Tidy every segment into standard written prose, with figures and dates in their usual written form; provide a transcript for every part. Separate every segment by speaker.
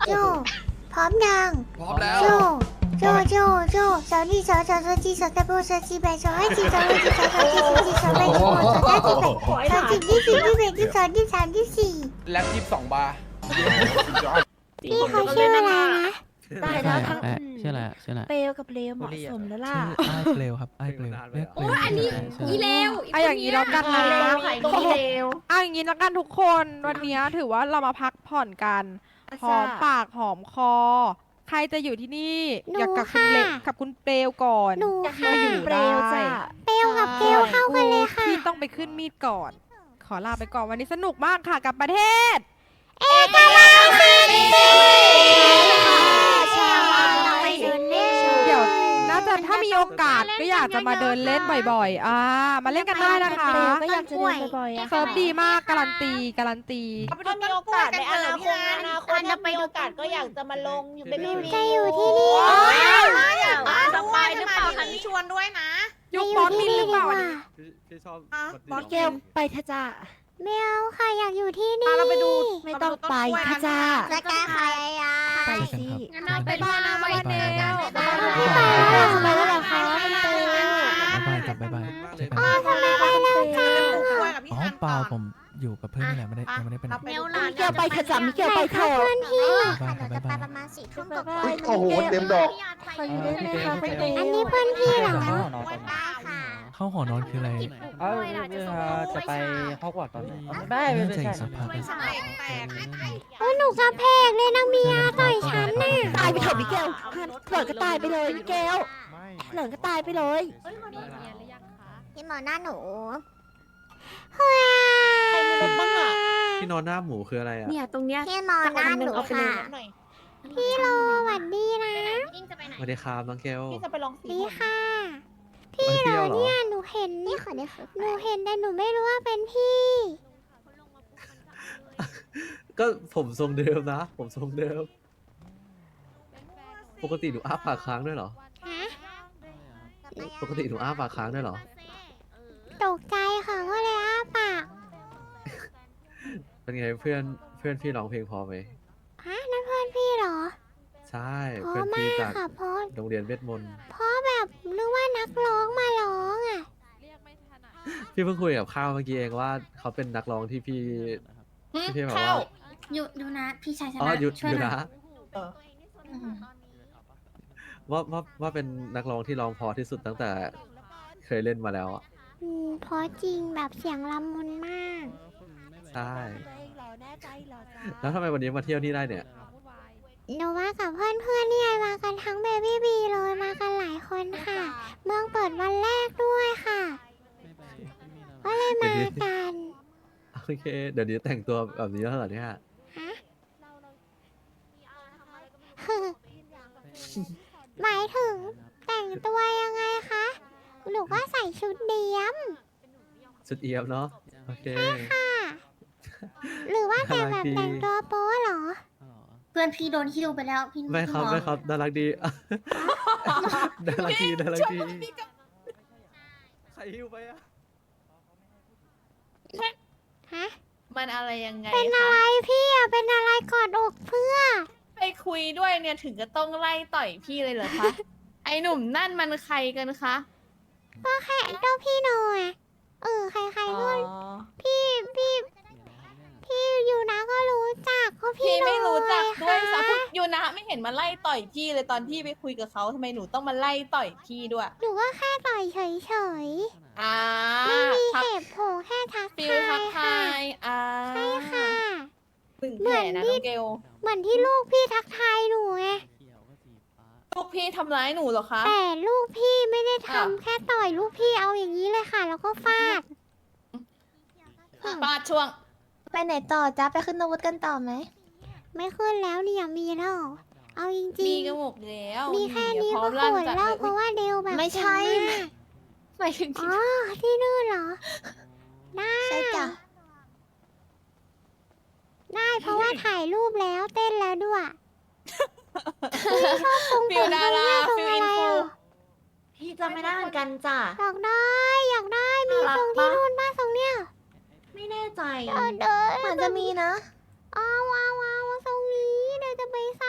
Speaker 1: โจพร้อมยัง
Speaker 2: พร้อมแล้ว
Speaker 1: โจสาวนี่สาวจีสาวตะโบสาวจีแบสาวให้จีสาวให้จีสาวจีสาวแบสาวสาวจีแบสาวจีที่4ที่8ที่2ที่3ที่4ที่4
Speaker 2: แล็บ22 บาร์
Speaker 1: พี่เขาชื่ออะไรนะ
Speaker 3: ตายแล้วทั้ง
Speaker 4: ชื่ออะไรชื่ออะไร
Speaker 3: เปลวกับเลวเหมาะสมแล้วล่ะ
Speaker 4: ชื่อไอ้เปลวครับไอ้เปลวเรียกเปลว
Speaker 5: อันนี้อีเลว
Speaker 6: ไอะอย่างนี้แล้วกันนะ
Speaker 5: อีเลว
Speaker 6: เอาอย่างนี้แล้วกันทุกคนวันนี้ถือว่าเรามาพักผ่อนกันหอมปากหอมคอ ใครจะอยู่ที่นี่อยากกับคุณเล็กกับคุณเปลวก่อน
Speaker 1: หนู
Speaker 3: อยาก
Speaker 1: ค่ะ
Speaker 3: มาอยู่เปลวจ้ะ
Speaker 1: เปลวกับเกลเข้ากันเลยค่ะ
Speaker 6: พี่ต้องไปขึ้นมีดก่อน ขอลาไปก่อนวันนี้สนุกมากค่ะกับประเทศ
Speaker 1: เอกลักษณ์ฟินใช่เราไปเดินเล่น
Speaker 6: เดี๋ยวน่าจะถ้ามีโอกาสก็อยากจะมาเดินเล่นบ่อยๆมาเล่นกันได้นะคะ
Speaker 3: เปลวก็อยากจะเดินบ่อยๆอะ
Speaker 6: เซิร์ฟดีมากการันตี
Speaker 5: ถ้ามีโอกาสในอนาคตถ้ามีโอกาสก็อยากจะมาลงอยู่เป็น
Speaker 1: หนู
Speaker 5: พี่
Speaker 1: จะอยู่ที่นี่
Speaker 5: สบายหรือเปล่าคะนี่ชวนด้วยนะ
Speaker 6: ยุคบอสมินหรือเปล่าอันนี้
Speaker 2: พี่ชอบ
Speaker 3: บอสเกลไปเถอะจ้า
Speaker 1: ไม่เอาค่ะอยากอยู่ที่นี่
Speaker 5: เราไปดู
Speaker 3: ไม่ต้องไปเถอะจ้า
Speaker 1: จะกล้าใครอ่ะ
Speaker 3: ไป
Speaker 4: เจอกัน
Speaker 3: สิ
Speaker 4: ครับ
Speaker 5: งั้นเอาไปบ้านนะไว้เนล
Speaker 1: พี่ไปแล้ว
Speaker 3: ทำไมแล้วล่ะคะมันเปลว
Speaker 4: บ๊ายบายครับบ๊ายบายเจอกัน
Speaker 1: อ๋อทำไมไปแล้วจ้า
Speaker 4: อ๋อเปล่าผมอยู่กับเพื่อนนี่แหละยังไม่ได้ไปไหน
Speaker 5: เนลหลาน
Speaker 3: มิเกลไปเถอะจ้ามิเกลไปเถอะ
Speaker 1: เพื่อนพี่
Speaker 4: บ๊ายบายครับบ๊ายบาย
Speaker 1: ประมาณ4 ทุ่ม
Speaker 3: บ๊าย
Speaker 1: กว่า
Speaker 3: บาย
Speaker 7: โอ้โหเต็มดอก
Speaker 3: ขออยู่ได้ไหมคะคุณเปลว
Speaker 1: อันนี้เพื่อนพี่เหรอ
Speaker 5: ได้ค่ะ
Speaker 4: เข้าหอนอนคืออะไร
Speaker 8: จะไปฮอกวอตส์ตอนไหน
Speaker 4: น่าจะอีกสักพักนะ
Speaker 1: โอ้หนูกระเพกเลยนางเมียต่อยฉันน่ะ
Speaker 3: ตายไปเถอะมิเกลหล่อนก็ตายไปเลยมิเกลหล่อนก็ตายไปเลย
Speaker 1: พี่หมอหน้าหนู
Speaker 5: ใครมีรถบ้างอ่ะ
Speaker 2: ที่นอนหน้าหมูคืออะไรอ่ะ
Speaker 5: เนี่ยตรงเนี้ย
Speaker 1: พี่หมอหน้าหนูค่ะ
Speaker 5: หน่อย
Speaker 1: พี่โลหวัดดีนะ
Speaker 2: สวัสดีครับน้องเกล
Speaker 5: พี่จะไปลองสี
Speaker 1: ดีค่ะ
Speaker 2: มาเที่ยวเหรอ
Speaker 1: เนี่ยหนูเห็นนี่ขอได้ค่ะหนูเห็นแต่หนูไม่รู้ว่าเป็นพี่
Speaker 2: ก็ผมทรงเดิมนะ ผมทรงเดิม ปกติหนูอ้าปากค้างด้วยเหรอ
Speaker 1: ฮะ
Speaker 2: ปกติหนูอ้าปากค้างด้วยเหรอ
Speaker 1: ตกใจค่ะก็เลยอ้าปาก
Speaker 2: เป็นไงเพื่อนพี่ร้องเพลงพอไหม
Speaker 1: ฮะนั่นเพื่อนพี่เหรอ
Speaker 2: ใช่
Speaker 1: เพ
Speaker 2: เพื่อน
Speaker 1: ราะมา
Speaker 2: พี่
Speaker 1: ก
Speaker 2: จาก
Speaker 1: ค่ะเพราะ
Speaker 2: โรงเรียนเวทมนต์
Speaker 1: เพราะแบบนึกว่านักร้องมาร้องอ่ะ
Speaker 2: พี่เพิ่งคุยกับข้าวเมื่อกี้เองว่าเขาเป็นนักร้องที่พี่แบบว่า
Speaker 5: อยู่นะพี่ชายช
Speaker 2: อ๋อ
Speaker 5: นะ
Speaker 2: หยุด
Speaker 5: ช่วย
Speaker 2: อยู่
Speaker 5: หน่อย
Speaker 2: นะว่าเป็นนักร้องที่ร้องเพอที่สุดตั้งแต่เคยเล่นมาแล้วอ่ะ
Speaker 1: เพราะจริงแบบเสียงละมุนมาก
Speaker 2: ใช่
Speaker 3: แน่ใจเหรอจ้า
Speaker 2: แล้วทำไมวันนี้มาเที่ยวนี่ได้เนี่ย
Speaker 1: หนูว่ากับเพื่อนๆเนี่ยมากันทั้งเบบี้บีเลยมากันหลายคนค่ะ เมืองเปิดวันแรกด้วยค่ะ ก็เลยมากัน
Speaker 2: โอเค เดี๋ยวนี้แต่งตัวแบบนี้แล้วเหรอเนี่ย
Speaker 1: ฮะ หมายถึงแต่งตัวยังไงคะหนูก็ใส่ชุดเดียม
Speaker 2: ชุดเอียมเนาะ โอเค
Speaker 1: ค่ะ หรือว่าแต่แบบ
Speaker 2: น่ารักดี
Speaker 1: แต่งตัวโป๊เหรอ
Speaker 5: เพื่อนพี่โดนฮิวไปแล้วพี่
Speaker 2: ไม่ครับไม่ครับน่ารักดี น่ารักดีน่ารักดีใครหิวไปอะ
Speaker 1: ฮะ
Speaker 5: มันอะไรยังไง
Speaker 1: เป็นอะไรพี่อะเป็นอะไรกอดอกเพื่อ
Speaker 5: ไปคุยด้วยเนี่ยถึงจะต้องไล่ต่อยพี่เลยเหรอคะ ไอหนุ่มนั่นมันใครกันคะ
Speaker 1: ก็แค่เจ้าพี่หน่อยใครๆก็พี่อยู่นะก็รู้จักก็พี่
Speaker 5: พี่ไม่รู้จักด้วย
Speaker 1: หน่
Speaker 5: สา
Speaker 1: อ
Speaker 5: พูดยูนะไม่เห็นมาไล่ต่อยพี่เลยตอนที่ไปคุยกับเขาทำไมหนูต้องมาไล่ต่อยพี่ด้วย
Speaker 1: หนูก็แค่ต่อยเฉย
Speaker 5: อ่า
Speaker 1: ๆไม่มี
Speaker 5: ทัก
Speaker 1: เหตุผลแค่ทัก
Speaker 5: ฟิลทั
Speaker 1: ทาก ย
Speaker 5: ทายอ่า
Speaker 1: ใช่ค่ะ
Speaker 5: หนึ่งแผลนะน้องเกล
Speaker 1: เหมือนที่ลูกพี่ทักทายหนูไง
Speaker 5: ลูกพี่ทำร้ายหนูเหรอคะ
Speaker 1: แต่ลูกพี่ไม่ได้
Speaker 5: อ้าว
Speaker 1: ทำแค่ต่อยลูกพี่เอาอย่างนี้เลยค่ะ แล้วก็ฟาด
Speaker 5: ปาดช่วง
Speaker 3: ไปไหนต่อจ้าไปขึ้นนวุฒิกันต่อไหม
Speaker 1: ไม่ขึ้นแล้วเนี่ยมีแล้วเอาจริ
Speaker 5: มี
Speaker 1: ง
Speaker 5: กระหมกแล้ว
Speaker 1: ๆมีแค่นี้
Speaker 5: พร้อ
Speaker 1: ก็
Speaker 5: ม
Speaker 1: โห
Speaker 5: ลั่น
Speaker 1: ด
Speaker 5: จัด
Speaker 1: แล้ว
Speaker 5: เลย
Speaker 1: เพราะว่าเดวแบบ
Speaker 3: ไม่ใช่
Speaker 1: เก่งมาก
Speaker 5: หมายถึงที่
Speaker 1: อ๋อที่นู่นเหรอ ได้
Speaker 3: ใช่จ้ะ
Speaker 1: ได้เพราะว่าถ่ายรูปแล้วเต้นแล้วด้วย
Speaker 5: ฟิลดาราฟิลอินฟู
Speaker 3: พี่จำไม่ได้เหมือนกันจ้ะ
Speaker 1: อยากได้มีทรงที่นู่นบ้างทรงเนี้ย
Speaker 3: ไม่แน่ใจ
Speaker 1: เดิน
Speaker 3: เหมือนจะมีนะ
Speaker 1: เอาทรงนี้เดี๋ยวจะไป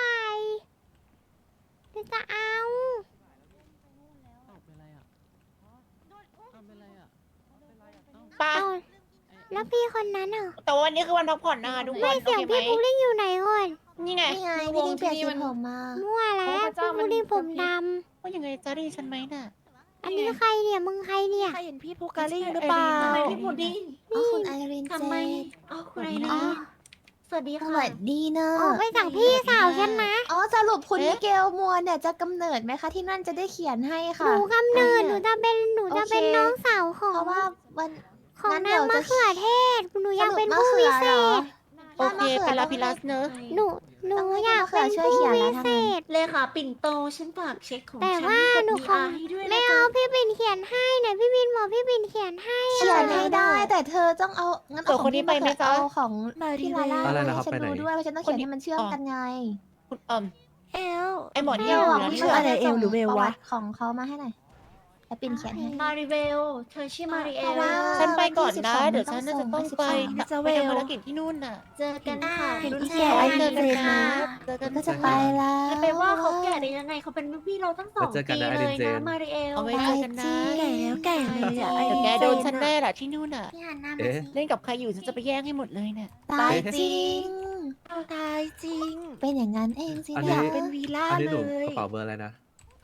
Speaker 1: แล้วพี่คนนั้นอ่ะ
Speaker 5: แต่ว่าวันนี้คือวันพักผ่อนนะคะทุกคน
Speaker 1: ไม่เสียง
Speaker 5: โอเคไหม
Speaker 1: พี่พุดดิ้งอยู่ไหนก่อน
Speaker 5: นี่ไง
Speaker 3: นี่ไง
Speaker 5: คือ
Speaker 3: พี่
Speaker 5: วง
Speaker 3: ดิ้งเปลี่ยน
Speaker 5: ที่
Speaker 3: สี
Speaker 5: มัน
Speaker 3: ผมมา
Speaker 1: มั่วแล้ว
Speaker 5: โอ้พระเจ้า
Speaker 1: พี่พุดดิ้งผมด
Speaker 5: ว่ายังไงจะได้ฉันไหมน่ะ
Speaker 1: ำอันนี้ใครเนี่ยมึงใครเนี่ย
Speaker 3: ใครเห็นพี่พูการิงหรือเปล่า
Speaker 5: ทำไมพี่พุดดิ้ง
Speaker 3: อ๋อคุณไอรินเจ
Speaker 5: ทำไม
Speaker 3: น
Speaker 5: อ๋อคุณไอ
Speaker 3: อ๋
Speaker 5: รี
Speaker 3: อ
Speaker 5: สวัสดี
Speaker 3: ส
Speaker 5: ค่ะ
Speaker 3: วัสดีเนอะ
Speaker 1: ออกไปจากพี่สาวฉันนะ
Speaker 3: อ๋อสรุปคุณ
Speaker 5: เอ๊ะ
Speaker 3: มิเกลมัวเนี่ยจะกำเนิดไหมคะที่นั่นจะได้เขียนให้
Speaker 1: ห
Speaker 3: ค่ะ
Speaker 1: นูกำเนิดหนูจะเป็น
Speaker 3: โอเค
Speaker 1: น้องสาวขอ
Speaker 3: เพ
Speaker 1: ง
Speaker 3: ราะว่าวัน
Speaker 1: ของ
Speaker 3: งั้น
Speaker 1: นา
Speaker 3: เดี๋
Speaker 1: ง
Speaker 3: ยว
Speaker 1: มะ
Speaker 3: จะ
Speaker 1: เขือเทศหนูอยากเป็น
Speaker 3: สรุป
Speaker 1: ผู้
Speaker 3: มะ
Speaker 1: วิ
Speaker 3: เขื
Speaker 1: เศ
Speaker 3: อหรอ
Speaker 1: ษ
Speaker 5: โอเคเป็นลาพิลัสเนอะ
Speaker 1: หนูอยากเป็น
Speaker 3: ช่วย
Speaker 1: ผู้
Speaker 3: เขียนแล้
Speaker 1: วิ
Speaker 3: วทำ
Speaker 1: เศ
Speaker 3: ไม
Speaker 1: ษ
Speaker 5: เลขาปิ่นโตฉันฝากเช็คของ
Speaker 1: แต่
Speaker 5: ฉัน
Speaker 1: ว่า
Speaker 5: กับ
Speaker 1: หนู
Speaker 5: มี
Speaker 1: คง
Speaker 5: อาให้ด้วย
Speaker 1: ไม่
Speaker 5: นะ
Speaker 1: เอา
Speaker 5: คะ
Speaker 1: พี่ปิ่นเขียนให้เนี่ยพี่ปิ่นบอกพี่ปิ่นเขียนให้
Speaker 3: เขียนไม่ได้แต่เธอต้องเอางั้น
Speaker 5: เผื่
Speaker 3: เอา
Speaker 5: อ
Speaker 3: ข
Speaker 5: ค
Speaker 3: อง
Speaker 5: นนี้
Speaker 3: พี่
Speaker 5: ไปไหม
Speaker 3: มา
Speaker 5: จ๊ะ
Speaker 3: เอาของพี่ลาล่า
Speaker 2: อะไร
Speaker 3: ให้
Speaker 2: นะครับ
Speaker 3: ฉัน
Speaker 2: ไปไหน
Speaker 3: ดูด้วยว่าฉันต้องเขียนให้มันเชื่อมกันไง
Speaker 5: คุณ
Speaker 3: เอล
Speaker 5: ไอหมอน
Speaker 3: เอ
Speaker 5: เยี่ย
Speaker 3: ล
Speaker 5: ว
Speaker 3: อะ
Speaker 5: นะ
Speaker 3: พี่
Speaker 5: ที่
Speaker 3: ว่า
Speaker 5: เหลือ
Speaker 3: อะไรเอลหรือเวลวะของเขามาให้หน่อยแล้วปิ่นเขียนให้
Speaker 5: มาริเวลเธอชื่อมาริเอ
Speaker 3: เพราะ
Speaker 5: ล
Speaker 3: ว่า
Speaker 5: ฉันไปก่อนนะ
Speaker 3: วันที่
Speaker 5: เดี๋ยวฉันน่าจะต้องไป
Speaker 3: 12
Speaker 5: ไปทำภารกิจที่นู่นน่ะ เจอกันค่ะ
Speaker 3: เห็น
Speaker 5: รุ่น
Speaker 3: อี
Speaker 5: พี่
Speaker 3: แก่
Speaker 5: ไว้
Speaker 3: ไอ
Speaker 5: เจอกัน
Speaker 3: เจน
Speaker 5: ค่ะ
Speaker 3: นะ
Speaker 5: เจอกัน
Speaker 3: ก็จะไปแล้ว
Speaker 5: จะไปว่าเขาแก่ได้ยังไงเขาเป็นรุ่นพี่เราตั้ง2
Speaker 2: เจอกัน
Speaker 5: ปี
Speaker 2: นะ
Speaker 5: เลย
Speaker 2: ไอเจ
Speaker 5: นะ
Speaker 2: น
Speaker 5: มาริเอล
Speaker 3: เอาไว้เจอกันนะแก่เลยอะไอ
Speaker 5: เดี๋ยวแก
Speaker 3: เจ
Speaker 5: โดนฉันแน่แหละที่นู่นน่ะ
Speaker 1: พี่หันหน้ามา
Speaker 2: เอ๊ะ
Speaker 1: สิ
Speaker 5: เล่นกับใครอยู่ฉันจะไปแย่งให้หมดเลยเนี่ย
Speaker 3: ตายจริงตายจริง เป็นอย่างนั้นเองสิ
Speaker 2: อัน
Speaker 3: อ
Speaker 2: นี้
Speaker 3: ยากเป็นวีล่า
Speaker 2: อันนี้ห
Speaker 3: เล
Speaker 2: นูก
Speaker 3: ย
Speaker 2: ระเป๋าเบอร์อะไรนะ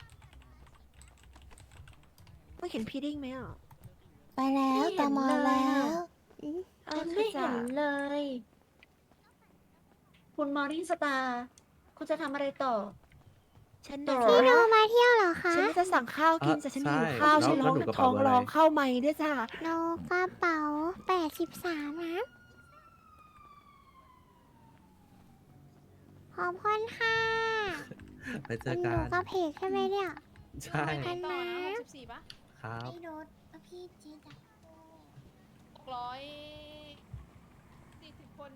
Speaker 3: ไม่เห็นพี่ดิ้งไหมอ่ะไปแล้วตามมาแล้ว
Speaker 5: ฉันไม่เห็นเลย คุณมอริงสตาร์คุณจะทำอะไรต่อ
Speaker 3: ฉัน
Speaker 5: ต่
Speaker 3: น่ะ
Speaker 5: อ
Speaker 1: พี่โนมาเที่ยวเหรอคะ
Speaker 3: ฉันจะสั่งข้าวกิน
Speaker 2: อ่ะ
Speaker 3: แต่ฉัน
Speaker 2: ใช่
Speaker 3: หิวข้าว
Speaker 2: แล้ว
Speaker 3: ฉันร้อง
Speaker 2: แล้วหนูกระ
Speaker 3: ท้
Speaker 2: เป๋า
Speaker 3: อง
Speaker 2: เบอร์อะไร
Speaker 3: ร้องเข้าไม่ด้วยจ้ะ
Speaker 1: โนกระเป๋า83นะขอบคุณค่ะ
Speaker 2: ไปเจอ
Speaker 1: ห
Speaker 2: กั
Speaker 1: นู
Speaker 2: น
Speaker 1: กระเพกใช่ไหมเนี่ย
Speaker 2: ใช่
Speaker 1: ไปไหนต่อนะ
Speaker 5: 64ปะ
Speaker 2: ครับ
Speaker 1: พี่โดดพี่จี๊ดอะ
Speaker 5: 640 คน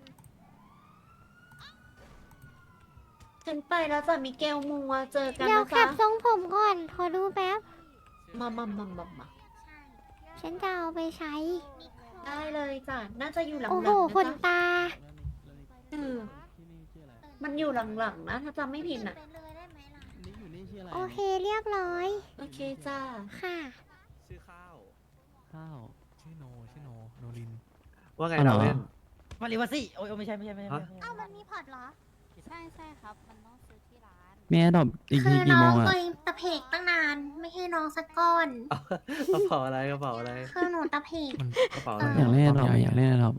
Speaker 5: ฉันไปแล้วจ้ะมิเกลมัวเจอกัน
Speaker 1: เดี๋ยว
Speaker 5: นะ
Speaker 1: ขั
Speaker 5: จ๊ะ
Speaker 1: บทรงผมก่อนขอดูแป๊บ
Speaker 5: มา
Speaker 1: ฉันจะเอาไปใช้
Speaker 5: ได้เลยจ้ะ น่าจะอยู่หลัง
Speaker 1: โอ้
Speaker 5: ๆ
Speaker 1: โห
Speaker 5: นะ
Speaker 1: ขน
Speaker 5: จ๊ะ
Speaker 1: ตา
Speaker 5: มันอยู่หลังๆนะ ถ้าจำไม่ผิดน่ะ
Speaker 1: โอเคเรียบร้อย
Speaker 5: โอเคจ้า
Speaker 1: ค่ะ
Speaker 2: ชื่อข้าว
Speaker 4: ข้าวชื่อโนโนลิน
Speaker 2: ว่าไง
Speaker 4: อ๋อเหร
Speaker 2: เรา
Speaker 4: อ
Speaker 2: เล่น
Speaker 8: มาริวาซี่โอ้ยไม่ใช่ไม่ใช่ไม่ใช่
Speaker 2: ฮะ
Speaker 1: เอ้ามันมีพอร์ตเหรอ
Speaker 7: ใช่ใช่ครับ มันต้องซื้อที่ร้าน
Speaker 4: แม่ดอกอีก
Speaker 1: คื
Speaker 4: ที
Speaker 1: อ
Speaker 4: กี่
Speaker 1: น้
Speaker 4: โม
Speaker 1: อง
Speaker 4: งอะ
Speaker 1: เคยตะเพกตั้งนาน ไม่ให้น้องสักก้อน
Speaker 2: กระเป๋าอะไรกระเป๋าอะไร
Speaker 1: คือหนูตะเพก
Speaker 4: มัน
Speaker 2: กระเป๋าอะไร
Speaker 4: อยากเล่นดอกอยากเล่นดอก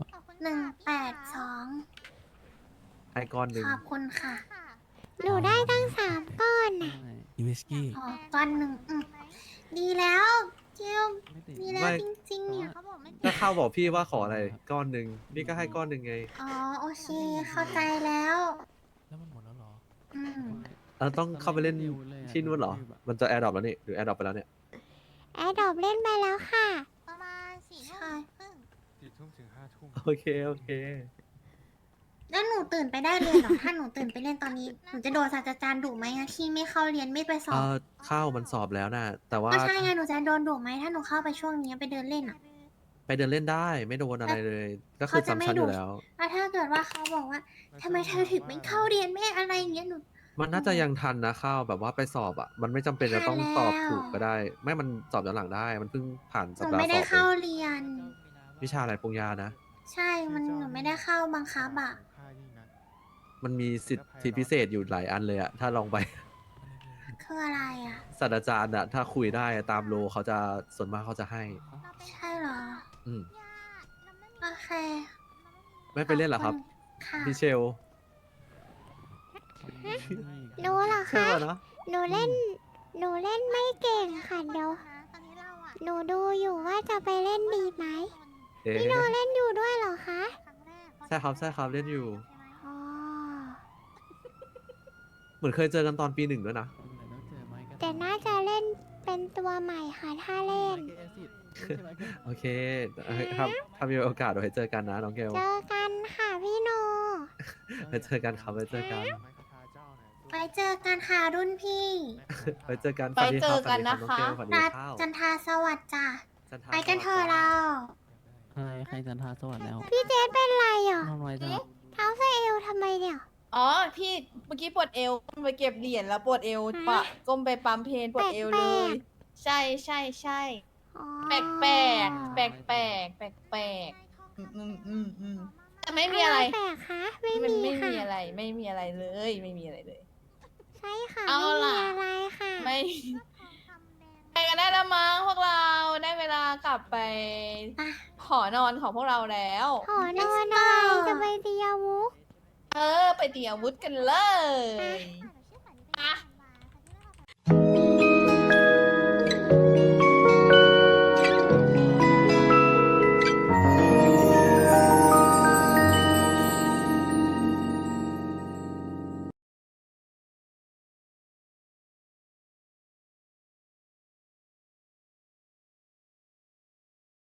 Speaker 1: 182
Speaker 2: ให้ก้อนหนึ่ง
Speaker 1: ขอบคุณค่ะ หนูได้ตั้ง3ก้อนน่ะ
Speaker 4: อีวิสกี้
Speaker 1: อ๋อก้อนหนึ่งดีแล้วเจียว
Speaker 4: ไม่ติด
Speaker 1: ดีแล้วจริงๆเนี่ย
Speaker 2: ก็ข้าวบอกพี่ว่าขออะไรก้อนหนึ่งนี่ก็ให้ก้อนหนึ่งไง
Speaker 1: อ๋อโอเค เข้าใจแล้ว
Speaker 4: แล้วมันหมดแล้วเหรอ
Speaker 1: อืม
Speaker 2: เราต้องเข้าไปเล่นที่นู่นเหรอ มันจะแอร์ดรอปแล้วนี่หรือแอร์ดรอปไปแล้วเนี่ย
Speaker 1: แอดดอบเล่นไปแล้วค่ะ ประมาณ4 ทุ่มครึ่ง
Speaker 2: โอเคโอเค
Speaker 1: แล้วหนูตื่นไปได้เลยเหรอ ถ้าหนูตื่นไปเล่นตอนนี้ หนูจะโดนศาสตราจารย์ดุไหมอะที่ไม่เข้าเรียนไม่ไปสอบ
Speaker 2: ข้าวมันสอบแล้วนะแต่ว่า
Speaker 1: ก็ใช่ไง หนูจะโดนดุไหมถ้าหนูเข้าไปช่วงนี้ไปเดินเล่นอะ
Speaker 2: ไปเดินเล่นได้ไม่โดนอะไรเลย ก็คือ
Speaker 1: เขาจะไม่
Speaker 2: ซ้ำชั้นอ
Speaker 1: ดุ
Speaker 2: ยู่แล้ว
Speaker 1: แล้วถ้าเกิดว่าเขาบอกว่าทำไมเธอถึงไม่เข้าเรียนไม่อะไรอย่างเงี้ยหนู
Speaker 2: มันน่าจะยังทันนะข้าวแบบว่าไปสอบอ่ะ มันไม่จำเป็นจะต้องตอบถูกก็ได้ ไม่มันสอบย้อนหลังได้ มันเพิ่งผ่าน
Speaker 1: ห
Speaker 2: สัป
Speaker 1: นู
Speaker 2: ดาห์
Speaker 1: ไม่
Speaker 2: ส
Speaker 1: ได้
Speaker 2: อบเอ
Speaker 1: เข้าง เรียน
Speaker 2: วิชาอะไรปรุงยานะ
Speaker 1: ใช่ หนูไม่ได้เข้าบังคับอะ
Speaker 2: มันมีสิทธิพิเศษอยู่หลายอันเลยอะถ้าลองไป
Speaker 1: คืออะไรอะ
Speaker 2: ศาสตราจารย์อะถ้าคุยได้ตามโลเขาจะส่วนมากเขาจะให้
Speaker 1: ใช่เหรอ
Speaker 2: อืม
Speaker 1: โอเค
Speaker 2: ไม่ไปเล่นเหรอครับ
Speaker 1: ค่ะ
Speaker 2: พี่เชล
Speaker 1: หนูเหรอ
Speaker 2: ใช่
Speaker 1: คะ
Speaker 2: ป่ะเนาะ
Speaker 1: หนูเล่นไม่เก่งค่ะเดี๋ยวหนูดูอยู่ว่าจะไปเล่นดีไหม
Speaker 2: เอ๊ะ
Speaker 1: พี่โนเล่นอยู่ด้วยเหรอคะ
Speaker 2: ใช่ครับใช่ครับเล่นอยู่
Speaker 1: อ๋อ
Speaker 2: เหมือนเคยเจอกันตอนปี 1ด้วยนะ
Speaker 1: แต่น่าจะเล่นเป็นตัวใหม่ค่ะถ้าเล่น
Speaker 2: โอเคครับถ้ามีโอกาสเดี๋ยวให้เจอกันนะน้องเกล
Speaker 1: เจอกันค่ะพี่โน
Speaker 2: ไปเจอกันครับไปเจอกัน
Speaker 1: ไปเจอกันค่ะรุ่นพี่
Speaker 2: ไปเจอกัน
Speaker 5: ไปเจอกันนะคะ
Speaker 2: สวัสดี
Speaker 1: นั
Speaker 2: ค
Speaker 1: ด
Speaker 2: รับน้องเกล
Speaker 1: จันทราสวัสดิ์จ้ะ
Speaker 2: สวัสดีครับ
Speaker 1: ไปกันเถอะเรา
Speaker 4: ใครจันทาสวัสดีแล้ว
Speaker 1: พี่เจสเป็นไรอ่ะ
Speaker 4: นอนไว้จ้ะ
Speaker 1: เท้าเสเอวทำไมเนี่ย
Speaker 5: อ๋อ พี่เมื่อกี้ปวดเอวไปเก็บเหรียญแล้วปวดเอวปะก้มไปปั๊มเพนปวดเอวเลย ใช่
Speaker 1: อ๋อ
Speaker 5: แปลกแต่ไม่มีอะไร
Speaker 1: แปลกคะไม่
Speaker 5: มัน
Speaker 1: มี
Speaker 5: ไม่
Speaker 1: ค่ะ
Speaker 5: มีอะไร ไม่มีอะไรเลย ไม่มีอะไรเลย
Speaker 1: ใช่ค่ะ
Speaker 5: เอา
Speaker 1: ไม่มี
Speaker 5: ล่ะ
Speaker 1: อะไรค่ะ
Speaker 5: ไม่ไปกันได้แล้วมั้งพวกเราได้เวลากลับไปหอนอนของพวกเราแล้ว
Speaker 1: หอนอนอะไรจะไปตีอาวุธ
Speaker 5: ไปตีอาวุธกันเลย
Speaker 1: อ่ะ